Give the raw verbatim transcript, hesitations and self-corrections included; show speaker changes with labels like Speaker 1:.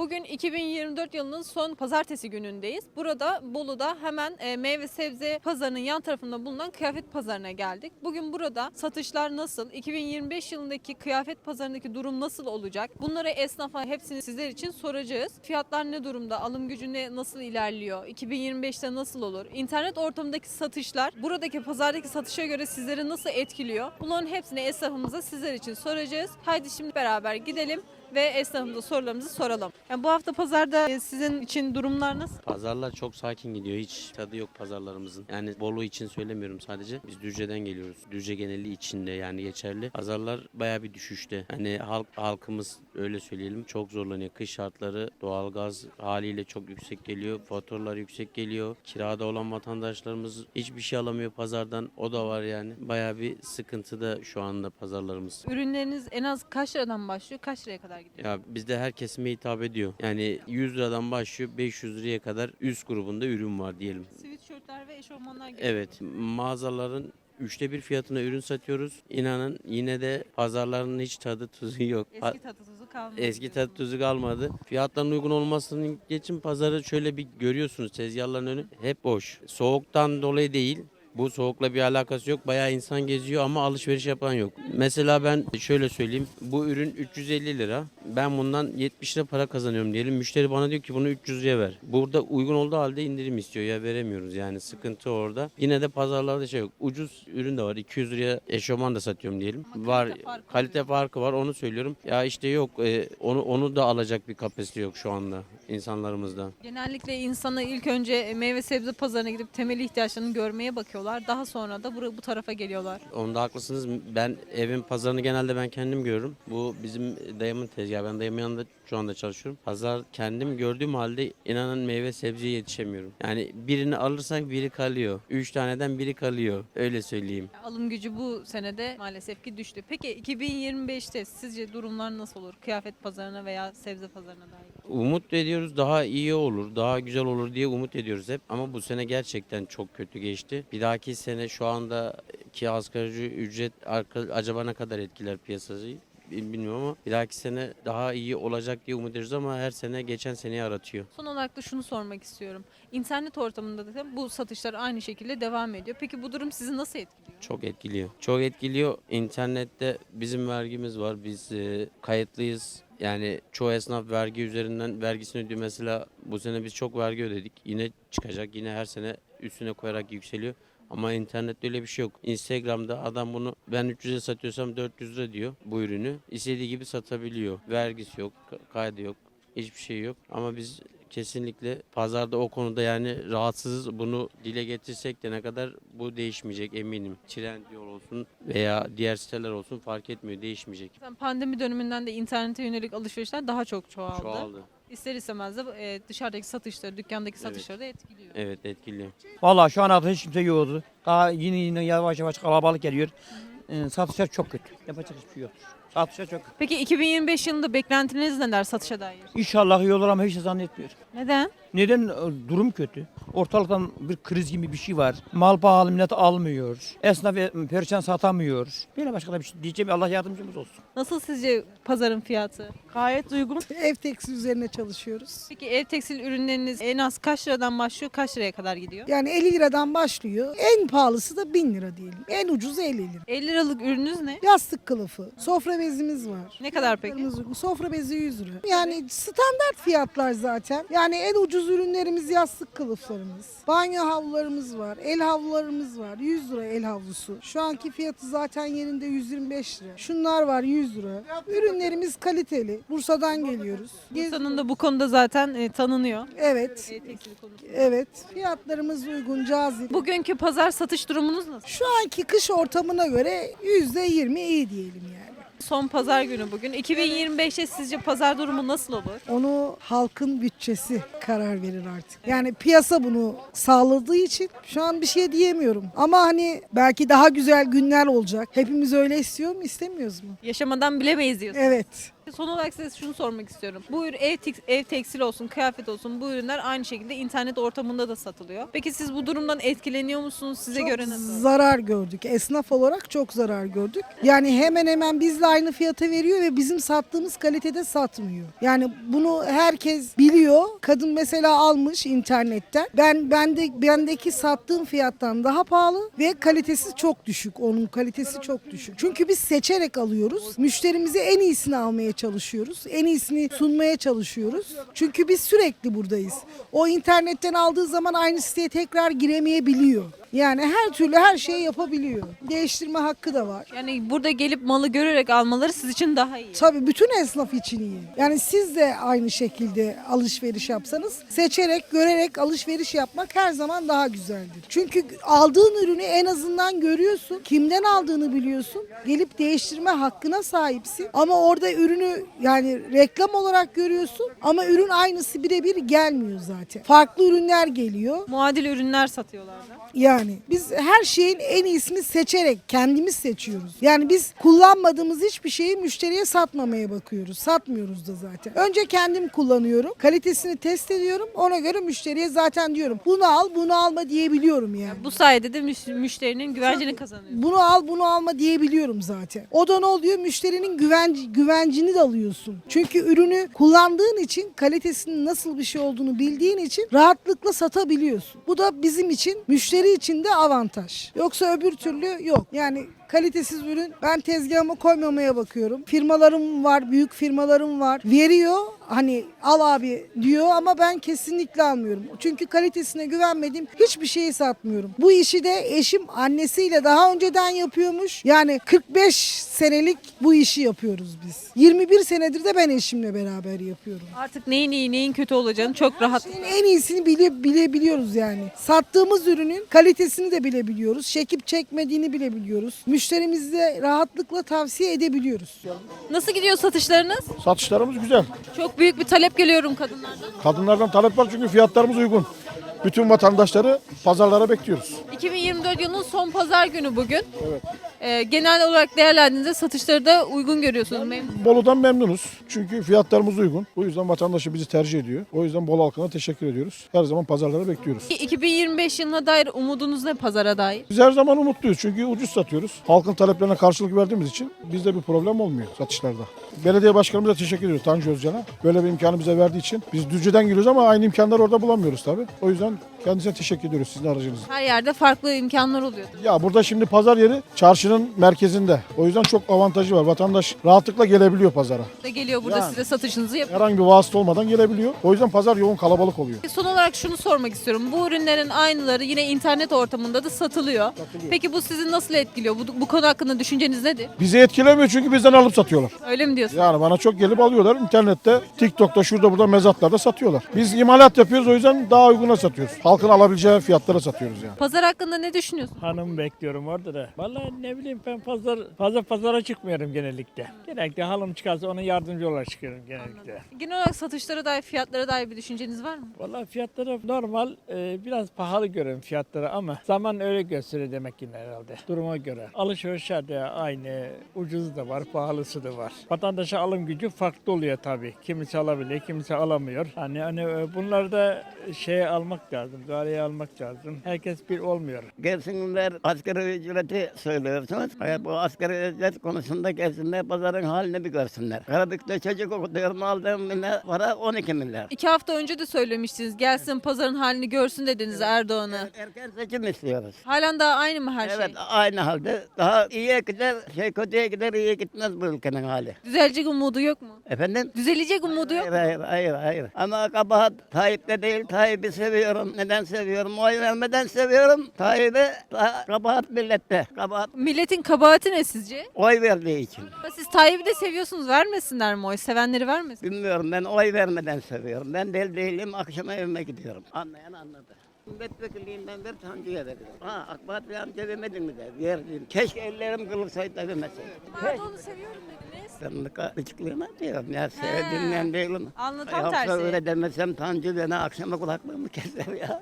Speaker 1: Bugün iki bin yirmi dört yılının son pazartesi günündeyiz. Burada Bolu'da hemen e, meyve sebze pazarının yan tarafında bulunan kıyafet pazarına geldik. Bugün burada satışlar nasıl? iki bin yirmi beş yılındaki kıyafet pazarındaki durum nasıl olacak? Bunları esnafa hepsini sizler için soracağız. Fiyatlar ne durumda? Alım gücü ne, nasıl ilerliyor? iki bin yirmi beşte nasıl olur? İnternet ortamındaki satışlar buradaki pazardaki satışa göre sizleri nasıl etkiliyor? Bunların hepsini esnafımıza sizler için soracağız. Haydi şimdi beraber gidelim ve esnafımıza sorularımızı soralım. Yani bu hafta pazarda e, sizin için durumlar nasıl?
Speaker 2: Pazarlar çok sakin gidiyor. Hiç tadı yok pazarlarımızın. Yani Bolu için söylemiyorum sadece. Biz Düzce'den geliyoruz. Düzce geneli içinde yani geçerli. Pazarlar bayağı bir düşüşte. Hani halk halkımız öyle söyleyelim çok zorlanıyor. Kış şartları doğalgaz haliyle çok yüksek geliyor. Faturalar yüksek geliyor. Kirada olan vatandaşlarımız hiçbir şey alamıyor pazardan. O da var yani. Bayağı bir sıkıntıda şu anda pazarlarımız.
Speaker 1: Ürünleriniz en az kaç liradan başlıyor? Kaç liraya kadar gidiyor?
Speaker 2: Ya bizde her kesime hitap ediyor. Yani yüz liradan başlıyor beş yüz liraya kadar üst grubunda ürün var diyelim.
Speaker 1: Sweatshirtler ve eşofmanlar gibi.
Speaker 2: Evet, mağazaların üçte bir fiyatına ürün satıyoruz. İnanın yine de pazarların hiç tadı tuzu yok. Pa-
Speaker 1: Eski tadı tuzu kalmadı.
Speaker 2: Eski tadı tuzu kalmadı. Fiyatların uygun olmasının geçin pazarı şöyle bir görüyorsunuz tezgahların önü hep boş. Soğuktan dolayı değil. Bu soğukla bir alakası yok. Bayağı insan geziyor ama alışveriş yapan yok. Mesela ben şöyle söyleyeyim. Bu ürün üç yüz elli lira. Ben bundan yetmiş lira para kazanıyorum diyelim. Müşteri bana diyor ki bunu üç yüz liraya ver. Burada uygun olduğu halde indirim istiyor ya veremiyoruz yani sıkıntı orada. Yine de pazarlarda şey yok. Ucuz ürün de var. iki yüz liraya eşofman da satıyorum diyelim.
Speaker 1: Ama
Speaker 2: Var
Speaker 1: kalite farkı
Speaker 2: kalite
Speaker 1: oluyor.
Speaker 2: farkı var onu söylüyorum. Ya işte yok e, onu onu da alacak bir kapasite yok şu anda insanlarımızda.
Speaker 1: Genellikle insana ilk önce meyve sebze pazarına gidip temel ihtiyaçlarını görmeye bakıyorlar. Daha sonra da bu, bu tarafa geliyorlar.
Speaker 2: Onda haklısınız. Ben evin pazarını genelde ben kendim görürüm. Bu bizim dayımın tezgahı. Ben dayımın yanında şu anda çalışıyorum. Pazar kendim gördüğüm halde inanın meyve sebzeye yetişemiyorum. Yani birini alırsak biri kalıyor. Üç taneden biri kalıyor. Öyle söyleyeyim.
Speaker 1: Alım gücü bu senede maalesef ki düştü. Peki iki bin yirmi beşte sizce durumlar nasıl olur? Kıyafet pazarına veya sebze pazarına dair.
Speaker 2: Umut ediyoruz daha iyi olur, daha güzel olur diye umut ediyoruz hep. Ama bu sene gerçekten çok kötü geçti. Bir dahaki sene şu andaki asgari ücret arka- acaba ne kadar etkiler piyasayı bilmiyorum ama bir dahaki sene daha iyi olacak diye umut ediyoruz ama her sene geçen seneyi aratıyor.
Speaker 1: Son olarak da şunu sormak istiyorum. İnternet ortamında da bu satışlar aynı şekilde devam ediyor. Peki bu durum sizi nasıl etkiliyor?
Speaker 2: Çok etkiliyor. Çok etkiliyor. İnternette bizim vergimiz var. Biz e, kayıtlıyız. Yani çoğu esnaf vergi üzerinden vergisini ödüyor. Mesela bu sene biz çok vergi ödedik. Yine çıkacak. Yine her sene üstüne koyarak yükseliyor. Ama internette öyle bir şey yok. Instagram'da adam bunu ben üç yüze satıyorsam dört yüz lira diyor bu ürünü. İstediği gibi satabiliyor. Vergisi yok, kaydı yok, hiçbir şey yok. Ama biz kesinlikle pazarda o konuda yani rahatsızız. Bunu dile getirsek de ne kadar bu değişmeyecek eminim. Trendyol olsun veya diğer siteler olsun fark etmiyor değişmeyecek.
Speaker 1: Zaten pandemi döneminden de internete yönelik alışverişler daha çok çoğaldı.
Speaker 2: Çoğaldı.
Speaker 1: İster istemez de e, dışarıdaki satışları, dükkandaki satışları da etkiliyor.
Speaker 2: Evet etkiliyor.
Speaker 3: Vallahi şu an artık hiç kimse yoktu. Daha yine yine yavaş yavaş kalabalık geliyor. Ee, satışlar çok kötü. Yapacak hiçbir şey yok. Satışlar çok kötü.
Speaker 1: Peki iki bin yirmi beş yılında beklentiniz neler satışa dair?
Speaker 3: İnşallah iyi olur ama hiç de zannetmiyorum.
Speaker 1: Neden?
Speaker 3: Neden? E, Durum kötü. Ortalıktan bir kriz gibi bir şey var. Mal pahalı millet almıyor. Esnaf e, perişan satamıyor. Böyle başka da bir şey diyeceğim. Allah yardımcımız olsun.
Speaker 1: Nasıl sizce pazarın fiyatı?
Speaker 4: Gayet uygun. Ev tekstil üzerine çalışıyoruz.
Speaker 1: Peki ev tekstil ürünleriniz en az kaç liradan başlıyor, kaç liraya kadar gidiyor?
Speaker 4: Yani elli liradan başlıyor. En pahalısı da bin lira diyelim. En ucuzu elli lira.
Speaker 1: elli liralık ürününüz ne?
Speaker 4: Yastık kılıfı, sofra bezimiz var.
Speaker 1: Ne kadar peki?
Speaker 4: Fiyatlarımız uygun. Sofra bezi yüz lira. Yani standart fiyatlar zaten. Yani en ucuz ürünlerimiz yastık kılıflarımız. Banyo havlularımız var. El havlularımız var. yüz lira el havlusu. Şu anki fiyatı zaten yerinde yüz yirmi beş lira. Şunlar var yüz lira. Ürünlerimiz kaliteli. Bursa'dan geliyoruz.
Speaker 1: Bursa'nın da bu konuda zaten e, tanınıyor.
Speaker 4: Evet.
Speaker 1: Ev tekstili konusunda.
Speaker 4: Evet. Fiyatlarımız uygun, cazip.
Speaker 1: Bugünkü pazar satış durumunuz nasıl?
Speaker 4: Şu anki kış ortamına göre yüzde yirmi iyi diyelim yani.
Speaker 1: Son pazar günü bugün. iki bin yirmi beşte sizce pazar durumu nasıl olur?
Speaker 4: Onu halkın bütçesi karar verir artık. Yani piyasa bunu sağladığı için şu an bir şey diyemiyorum. Ama hani belki daha güzel günler olacak. Hepimiz öyle istiyor mu istemiyoruz mu?
Speaker 1: Yaşamadan bilemeyiz diyorsun.
Speaker 4: Evet.
Speaker 1: Son olarak size şunu sormak istiyorum. Bu ürün ev, tek- ev tekstil olsun, kıyafet olsun bu ürünler aynı şekilde internet ortamında da satılıyor. Peki siz bu durumdan etkileniyor musunuz? Size
Speaker 4: Çok
Speaker 1: göre nasıl?
Speaker 4: zarar gördük. Esnaf olarak çok zarar gördük. Yani hemen hemen bizle aynı fiyata veriyor ve bizim sattığımız kalitede satmıyor. Yani bunu herkes biliyor. Kadın mesela almış internetten. Ben bende bendeki sattığım fiyattan daha pahalı ve kalitesi çok düşük. Onun kalitesi çok düşük. Çünkü biz seçerek alıyoruz. Müşterimize en iyisini almaya çalışıyoruz. En iyisini sunmaya çalışıyoruz. Çünkü biz sürekli buradayız. O internetten aldığı zaman aynı siteye tekrar giremeyebiliyor. Yani her türlü her şeyi yapabiliyor. Değiştirme hakkı da var.
Speaker 1: Yani burada gelip malı görerek almaları siz için daha iyi.
Speaker 4: Tabii bütün esnaf için iyi. Yani siz de aynı şekilde alışveriş yapsanız seçerek, görerek alışveriş yapmak her zaman daha güzeldir. Çünkü aldığın ürünü en azından görüyorsun. Kimden aldığını biliyorsun. Gelip değiştirme hakkına sahipsin. Ama orada ürünü yani reklam olarak görüyorsun ama ürün aynısı birebir gelmiyor zaten. Farklı ürünler geliyor.
Speaker 1: Muadil ürünler satıyorlar da.
Speaker 4: Yani biz her şeyin en iyisini seçerek kendimiz seçiyoruz. Yani biz kullanmadığımız hiçbir şeyi müşteriye satmamaya bakıyoruz. Satmıyoruz da zaten. Önce kendim kullanıyorum. Kalitesini test ediyorum. Ona göre müşteriye zaten diyorum. Bunu al, bunu alma diyebiliyorum yani.
Speaker 1: Bu sayede de müş- müşterinin güvencini kazanıyorsunuz.
Speaker 4: Bunu al, bunu alma diyebiliyorum zaten. O da ne oluyor? Müşterinin güvenci, güvencini de alıyorsun. Çünkü ürünü kullandığın için, kalitesinin nasıl bir şey olduğunu bildiğin için rahatlıkla satabiliyorsun. Bu da bizim için, müşteri için de avantaj. Yoksa öbür türlü yok. Yani kalitesiz ürün ben tezgahıma koymamaya bakıyorum. Firmalarım var, büyük firmalarım var. Veriyor hani al abi diyor ama ben kesinlikle almıyorum. Çünkü kalitesine güvenmediğim hiçbir şeyi satmıyorum. Bu işi de eşim annesiyle daha önceden yapıyormuş. Yani kırk beş senelik bu işi yapıyoruz biz. yirmi bir senedir de ben eşimle beraber yapıyorum.
Speaker 1: Artık neyin iyi neyin kötü olacağını çok rahat.
Speaker 4: Şeyin en iyisini bile, bilebiliyoruz yani. Sattığımız ürünün kalitesini de bilebiliyoruz. Çekip çekmediğini bilebiliyoruz. Müşterimize rahatlıkla tavsiye edebiliyoruz.
Speaker 1: Nasıl gidiyor satışlarınız?
Speaker 5: Satışlarımız güzel.
Speaker 1: Çok büyük bir talep geliyorum kadınlardan.
Speaker 5: Kadınlardan talep var çünkü fiyatlarımız uygun. Bütün vatandaşları pazarlara bekliyoruz.
Speaker 1: iki bin yirmi dört yılının son pazar günü bugün. Evet. Ee, genel olarak değerlendiğinizde satışları da uygun görüyorsunuz. Memnun.
Speaker 5: Bolu'dan memnunuz. Çünkü fiyatlarımız uygun. O yüzden vatandaşı bizi tercih ediyor. O yüzden Bolu halkına teşekkür ediyoruz. Her zaman pazarlara bekliyoruz.
Speaker 1: iki bin yirmi beş yılına dair umudunuz ne pazara dair?
Speaker 5: Biz her zaman umutluyuz çünkü ucuz satıyoruz. Halkın taleplerine karşılık verdiğimiz için bizde bir problem olmuyor satışlarda. Belediye başkanımıza teşekkür ediyoruz Tanju Özcan'a. Böyle bir imkanı bize verdiği için. Biz Düzce'den geliyoruz ama aynı imkanları orada bulamıyoruz tabii. O yüzden kendisine teşekkür ediyoruz sizin aracınızla.
Speaker 1: Her yerde farklı imkanlar oluyor.
Speaker 5: Ya burada şimdi pazar yeri çarşının merkezinde. O yüzden çok avantajı var. Vatandaş rahatlıkla gelebiliyor pazara.
Speaker 1: Da geliyor burada
Speaker 5: Yani.
Speaker 1: size satışınızı yapıyor.
Speaker 5: Herhangi bir vasıta olmadan gelebiliyor. O yüzden pazar yoğun kalabalık oluyor.
Speaker 1: Son olarak şunu sormak istiyorum. Bu ürünlerin aynıları yine internet ortamında da satılıyor. Peki bu sizi nasıl etkiliyor? Bu, bu konu hakkında düşünceniz nedir?
Speaker 5: Bizi etkilemiyor çünkü bizden alıp satıyorlar.
Speaker 1: Öyle mi diyorsun?
Speaker 5: Yani bana çok gelip alıyorlar. İnternette, TikTok'ta, şurada burada mezatlarda satıyorlar. Biz imalat yapıyoruz o yüzden daha uyguna satıyoruz. Halkın alabileceği fiyatlara satıyoruz yani.
Speaker 1: Pazar hakkında ne düşünüyorsun?
Speaker 6: Hanım bekliyorum orada da. Vallahi ne bileyim ben pazar fazla pazara çıkmıyorum genellikle. Genellikle halım çıkarsa ona yardımcı olarak çıkıyorum genellikle.
Speaker 1: Genel olarak satışlara dair, fiyatlara dair bir düşünceniz var mı?
Speaker 6: Vallahi fiyatları normal e, biraz pahalı görüyorum fiyatları ama zaman öyle gösteriyor demek ki herhalde duruma göre. Alışverişlerde aynı ucuzu da var pahalısı da var. Vatandaşa alım gücü farklı oluyor tabii. Kimisi alabiliyor kimisi alamıyor. Hani, hani e, bunları da şeye almak lazım, galeye almak lazım. Herkes bir olmuyor.
Speaker 7: Gelsinler asgari ücreti söylüyorsunuz. Hayır, bu asgari ücret konusunda gelsinler pazarın halini bir görsünler. Karabük'te çocuk okutuyorum aldığım bine para on iki milyar.
Speaker 1: İki hafta önce de söylemiştiniz. Gelsin pazarın halini görsün dediniz Erdoğan'a.
Speaker 7: Erken seçim istiyoruz.
Speaker 1: Halen daha aynı mı her
Speaker 7: Evet
Speaker 1: şey?
Speaker 7: aynı halde. Daha iyiye gider, şey kötüye gider, iyiye gitmez bu ülkenin hali.
Speaker 1: Düzelecek umudu yok mu?
Speaker 7: Efendim?
Speaker 1: Düzelecek umudu yok
Speaker 7: Hayır,
Speaker 1: mu?
Speaker 7: hayır, hayır, hayır. Ama kabahat Tayyip'te değil, Tayyip'i seviyorum. Neden seviyorum? Oy vermeden seviyorum. Tayyip'i ta- kabahat millette. Kabahat
Speaker 1: Milletin kabahati ne sizce?
Speaker 7: oy verdiği için.
Speaker 1: Ama siz Tayyip'i de seviyorsunuz. Vermesinler mi oy? Sevenleri vermesin.
Speaker 7: Bilmiyorum ben oy vermeden seviyorum. Ben del değilim akşama evime gidiyorum. Anlayan anladı. Milletvekilliğinden ver Tanju'ya veriyorum. Ha AK Parti amca vermedin mi de verdim. Keşke ellerim kırılsaydı da vermeseydim.
Speaker 1: Erdoğan'ı seviyorum dediniz.
Speaker 7: Ben de açıklığına diyorum ya sevdiğimden değilim.
Speaker 1: Anlatan
Speaker 7: Yoksa
Speaker 1: tersi.
Speaker 7: öyle demesem Tanju beni akşama kulaklığımı keser ya.